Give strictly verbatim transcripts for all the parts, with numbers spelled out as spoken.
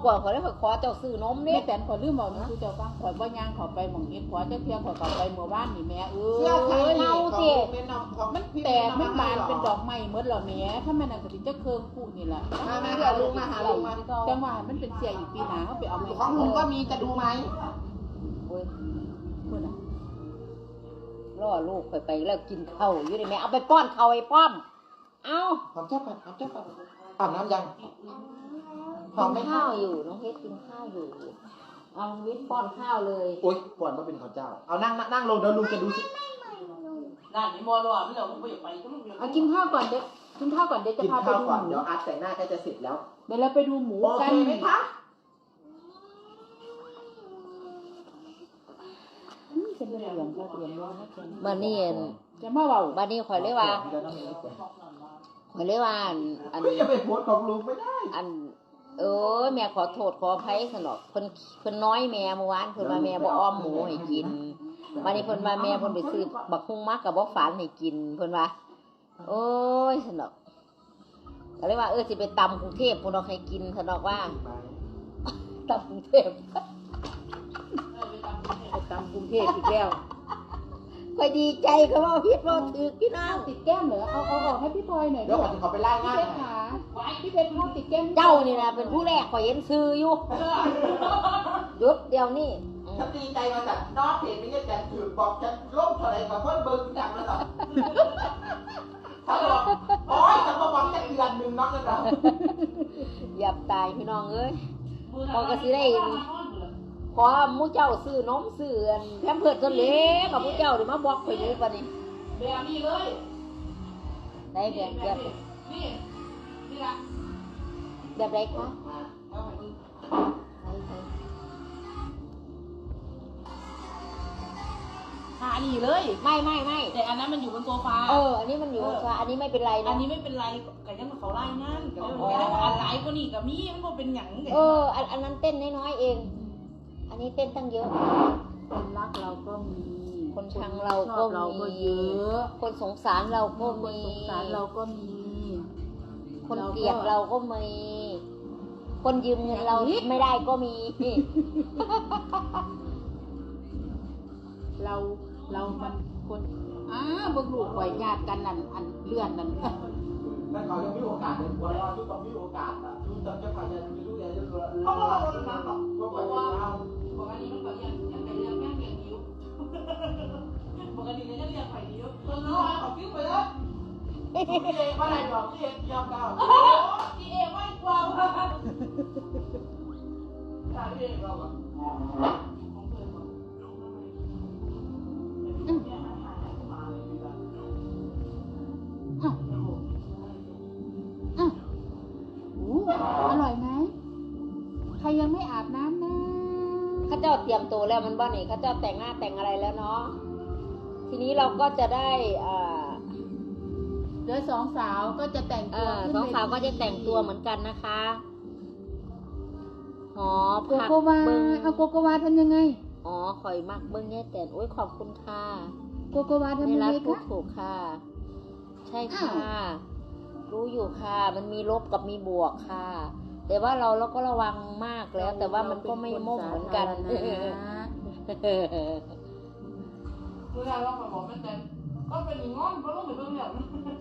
กว่าขอได้ขอเจ้าซื้อนมนี่แม่แตนขอลืมบอกนะคือเจ้าฟังขอว่ายางขอไปหม่องเฮ็ดขอเจ้าเพียงขอขอไปเมื่อวานนี่แม่เอ้เสื้อไข่ยเน่าสิมัมัน นแตกมันบานเป็นดอกไม้หมดแล้วแม่ถ้าแม่นั่นก็สิจะเคิงคู่นี่แหละมามาหาลุงมาหาลุงมาจังหวะมันเป็นเสียอีกปีหน้าเขาไปเอาไปของลุงก็มีจะดูไหมโอ้ยคุณน่ะล่อลูกไปไปแล้วกินข้าวอยู่ได้แม่เอาไปป้อนข้าวไอ้ป้อมเอาหอมเจ้าปัดหอมเจ้าปัดอาบน้ำยังหอมไหมกินข้าวอยู่น้องเพชรกินข้าวอยู่เอาวิทย์ป้อนข้าวเลยโอ๊ยก่อนว่าเป็นข้าวเจ้าเอานั่งนั่งลงเดี๋ยวลุงจะดูสิร้านนี้มอลล์ไม่เหรอผมไม่อยากไปก็ไม่อยากไปเอากินข้าวก่อนเด็กกินข้าวก่อนเด็กจะกินพาไปข้าวดูก่อนหมูเดี๋ยวอาร์ตแต่งหน้าใกล้จะเสร็จแล้วเดี๋ยวเราไปดูหมูโอกัเคน ไหมคะอืมเป็นเรื่องก็เตรียมไว้นะเพิ่นมานี่จะมาเว้ามานี่ข่อยเลยว่าข่อยเลยว่าอันอันไม่จะไปโพสของลุงไม่ได้อันเออแม่ขอโทษขออภัยสนอกเพิ่นเพิ่นน้อยแม่เมื่อวานเพิ่นมาแม่บ่อ้อมหมูให้กินมานี่เพิ่นมาแม่เพิ่นไปซื้อบักฮุ่งมักกับบ่ฝานให้กินเพิ่นว่าโอ้ยสนอกก็เลยว่าเออสิไปตำกรุงเทพพุ่นเอาให้กินสนอกว่าตำกรุงเทพไปตามกรุงเทพอีกแล้วข่อยดีใจเขาว่าผิดบ่ถูกพี่น้องติดแก้มเหรอเอาเอาออกให้พี่พลอยหน่อยเดี๋ยวก่อนจะขอไปไล่พี่งานเพหชรน่อยขาพี่เพชรเขาติดแก้มเจ้านี่นะเป็นผู้แรกข่อยเห็นซื้ออยู่หยุดเดี๋ยวนี้ฉันดีใจมาจากนอกเพจไม่ใช่แต่ถือบอกจะล่มเท่าไรกับเพื่อนเบิร์นดังแล้วต่อถ้าบอกโอ๊ยจะมาบอกจะเดือนหนึ่งน้องกันเราอย่าตายพี่น้องเอ้ย พอก็สิได้ ขอหมู่เจ้าซื้อนมซื้ออันแพมเพิร์สตัวเล็กกับหมู่เจ้าเดี๋ยวมาบอกข่อยดูปะนี่แบบนี้เลยได้แบบแบบนี่นี่ละแบบไรคะเอาไปดู หานี่เลยไม่ไม่ไม่แต่อันนั้นมันอยู่บนโซฟาเอออันนี้มันอยู่บนฟ้าอันนี้ไม่เป็นไรอันะนนี้ไม่เป็นไรก็ยังเขาไล่งานก็เลยว่าอันไลฟ์ก็นี่กับมีมันก็เป็นหยังเอออันอันนั้นเต้นน้อยๆเอง อันนี้เต้นตั้งเยอะคนรักเราก็มีคนชังเราก็ชอบเราก็มีเยอะคนสงสารเราก็คนมีสงสารเราก็มีคนเกลียดเราก็มี คนยืมเงินเราไม่ได้ก็มีเราเรามันคนอ้าเบิ่งลูกปล่อยญาติกันนั่นอันเลื่อนนั่นนั่นเขายังมีโอกาสเลยวันเราทุกต้องมีโอกาสอ่ะทุกต้องจะผ่านจะมีลูกเรียนเขาก็มาวันนั้นหรอกก็ไปเอาปกติมันก็ยังยังไปเรื่องแม่เลี้ยงนิ้วปกติก็ยังเลี้ยงไข่นิ้วเออเอาคิ้วไปเลยพี่เองว่าอะไรดอกพี่เองยอมเก่าพี่เอไม่กลัวว่ะถ้าพี่เองเราแบบอู้อร่อยไหมใครยังไม่อาบน้ำนะข้าเจ้าเตรียมตัวแล้วมันบ้านี่ข้าเจ้าแต่งหน้าแต่งอะไรแล้วเนาะทีนี้เราก็จะได้อ่าเดี๋ยวสองสาวก็จะแต่งเอตัวอขึ้นสองเทีสาวก็จะแต่งตัวเหมือนกันนะคะหอโกผักโกวาเบิ้งเอาโกโกวาทำยังไงอ๋อข่อยมักเบิ้งแย่แต่โอ้ยขอบคุณค่ะโกโกวาทำไม่ยังรัไงพูดคะถูกค่ะ ใช่อ้าค่ะวรู้อยู่ค่ะ มันมีลบกับมีบวกค่ะ แต่ว่าเราเราก็ระวังมากแล้ว แต่ว่ามันก็ไม่ม่มเหมือนกันเราเป็นคนสาธารณะคือเราเราบอกมันแต่ก็เป็นอย่างงั้นเพราะลูกเหมือนเบิ่งแบบ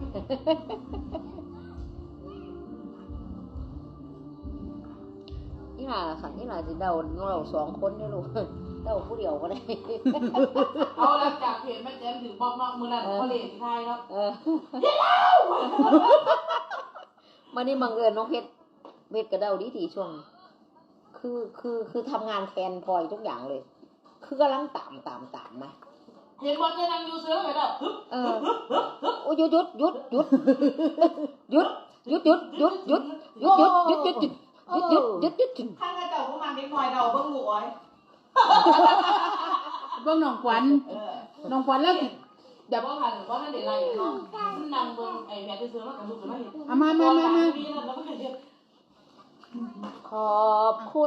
นี่ล่ะค่ะนี่ล่ะสิเดาเราสองคนได้ลูกเดาผู้เดียวก็ได้เอาหลังจากเพจแม่แจมถือบอกนอกมือนั่นเขาเล่นที่ไทยแล้วเออมานี่บังเอิญน้องเพชรเพชรกระเดาดีดีช่วง คือคือคือทำงานแทนพลอยทุกอย่างเลย คือกำลังตามตามตามมาเห็นบอลจะนั่งยูเซอร์ไปแล้วฮึบเออโอ้ยหยุดหยุดหยุดหยุดหยุดหยุดหยุดหยุดหยุดหยุดหยุดหยุดหยุดหยุดหยุดหยุดหยุดหยุดหยุดข้างกระเจ้าพวกมันเด็กน้อยเราเบิ่งหลวยเบิ่งน้องขวัญน้องขวัญแล้วสิเดี๋ยวว่าหันว่านั่นเดี๋ยวไรเนาะนั่งเบิ่งไอ้แม่ที่ซื้อมากับลูกจะไม่เห็นเอามามามามาขอบคุณ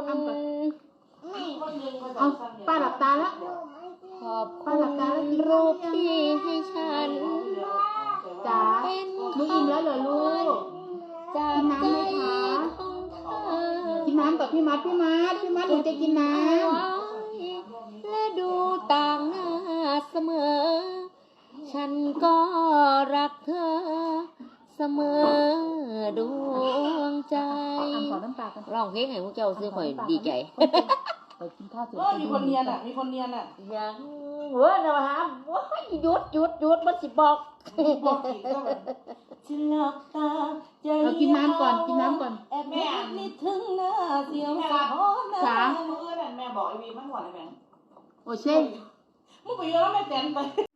เอาป้าหลับตาแล้วขอบคุณรูปที่ให้ฉันจ๋าเป็นมึงอิ่มแล้วเหรอลูกจากใจของเธอกินน้ำก่อนพี่มัดพี่มัดพี่มัดหนูจะกินน้และดูต่างหน้าเสมอ ฉันก็รักเธอเสมอดวงใจำอ่ำขอน้ำปลากันร้องเพลงให้พวกเจ้าซื้อข่อยดีใจไปกินข้าวเสร็จเออมีคนเนียนอ่ะมีคนเนียนอ่ะยังเว้ยนะฮะว้ายหยุดหยุดหยุดมันสิบอกบอกอีกก็แบบฉันหลับตาใจเอากินน้ำก่อนกินน้ำก่อนแอบแม่นิดถึงหน้าเสียวสะท้อนสามมือนั่นแม่บอกไอ้วีมันหวานไอ้แบงโอเช่มึงไปเยอะแล้วแม่แตนไป